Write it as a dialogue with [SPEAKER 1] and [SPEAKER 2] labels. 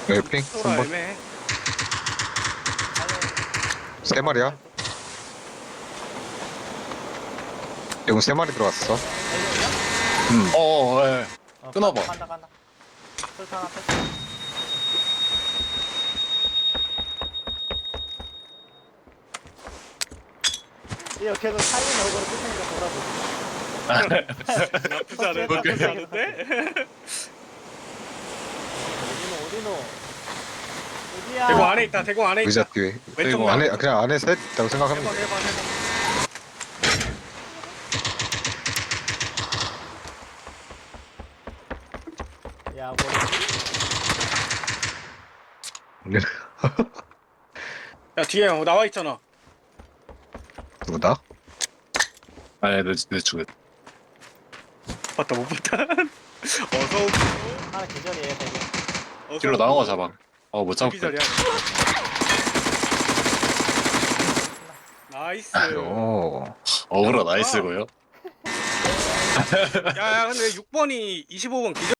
[SPEAKER 1] 핑?
[SPEAKER 2] 소라
[SPEAKER 1] 3번?
[SPEAKER 2] 애매해.
[SPEAKER 1] 세 마리야? 대군 세 마리 들어왔어.
[SPEAKER 3] 예. 끊어봐.
[SPEAKER 4] 간다. 설탕 하나 뺐어. 이렇게 해서 살린 얼굴을 끝내니까 돌아보지.
[SPEAKER 2] 나쁘지 않은데? 나쁘지 않은데?
[SPEAKER 4] 어디노? 어디야?
[SPEAKER 2] 대구 안에 있다. 대구 안에
[SPEAKER 1] 의자
[SPEAKER 2] 있다.
[SPEAKER 1] 뒤에.
[SPEAKER 2] 왼쪽
[SPEAKER 1] 안에
[SPEAKER 2] 나무.
[SPEAKER 1] 그냥 안에 셋 있다고 생각하면
[SPEAKER 2] 해봐
[SPEAKER 1] 돼.
[SPEAKER 2] 해봐 해봐.
[SPEAKER 4] 야,
[SPEAKER 2] 야 뒤에 나와 있잖아.
[SPEAKER 1] 누구다?
[SPEAKER 3] 아니 내 쪽에.
[SPEAKER 2] 봤다 못 봤다. 어서 오고.
[SPEAKER 4] 하나 계절이에요, 되게.
[SPEAKER 2] 어서
[SPEAKER 3] 뒤로
[SPEAKER 2] 오고.
[SPEAKER 3] 나온 거 잡아. 못 잡을
[SPEAKER 2] 여기
[SPEAKER 3] 거야.
[SPEAKER 2] 자리야. 나이스.
[SPEAKER 1] 오.
[SPEAKER 3] 어그로 나이스고요.
[SPEAKER 2] 야야 근데 6번이 25번 기절.